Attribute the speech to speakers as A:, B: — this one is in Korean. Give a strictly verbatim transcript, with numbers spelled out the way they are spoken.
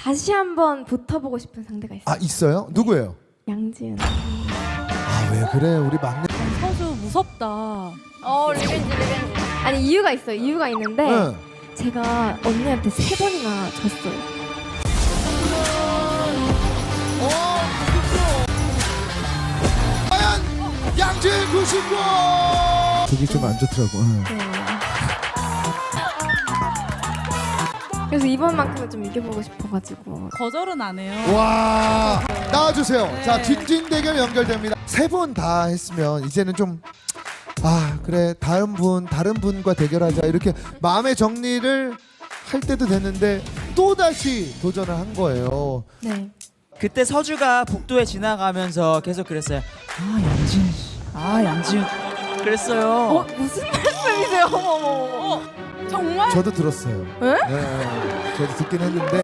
A: 다시 한번 붙어보고 싶은 상대가 있어요.
B: 아 있어요? 누구예요?
A: 양지은.
B: 아 왜 그래 우리 막내.
C: 서주 무섭다.
D: 어 리벤지 리벤지.
A: 아니 이유가 있어요. 이유가 있는데
B: 응.
A: 제가 언니한테 세 번이나 졌어요.
B: 과연 양지은 구십 번. 그게 좀 안 좋더라고. 응.
A: 네. 그래서 이번만큼은 좀 이겨보고 싶어가지고.
C: 거절은 안 해요.
B: 와 나와주세요.
C: 네.
B: 자 진진 대결 연결됩니다. 세 번 다 했으면 이제는 좀 아 그래 다른 분 다른 분과 대결하자 이렇게 마음의 정리를 할 때도 됐는데 또 다시 도전을 한 거예요.
A: 네.
E: 그때 서주가 복도에 지나가면서 계속 그랬어요. 아 양지은 씨, 아 양지은 그랬어요.
A: 어 무슨 말씀이세요? 어머 어머 어머.
C: 정말?
B: 저도 들었어요.
A: 에?
B: 네, 저도 듣긴 했는데.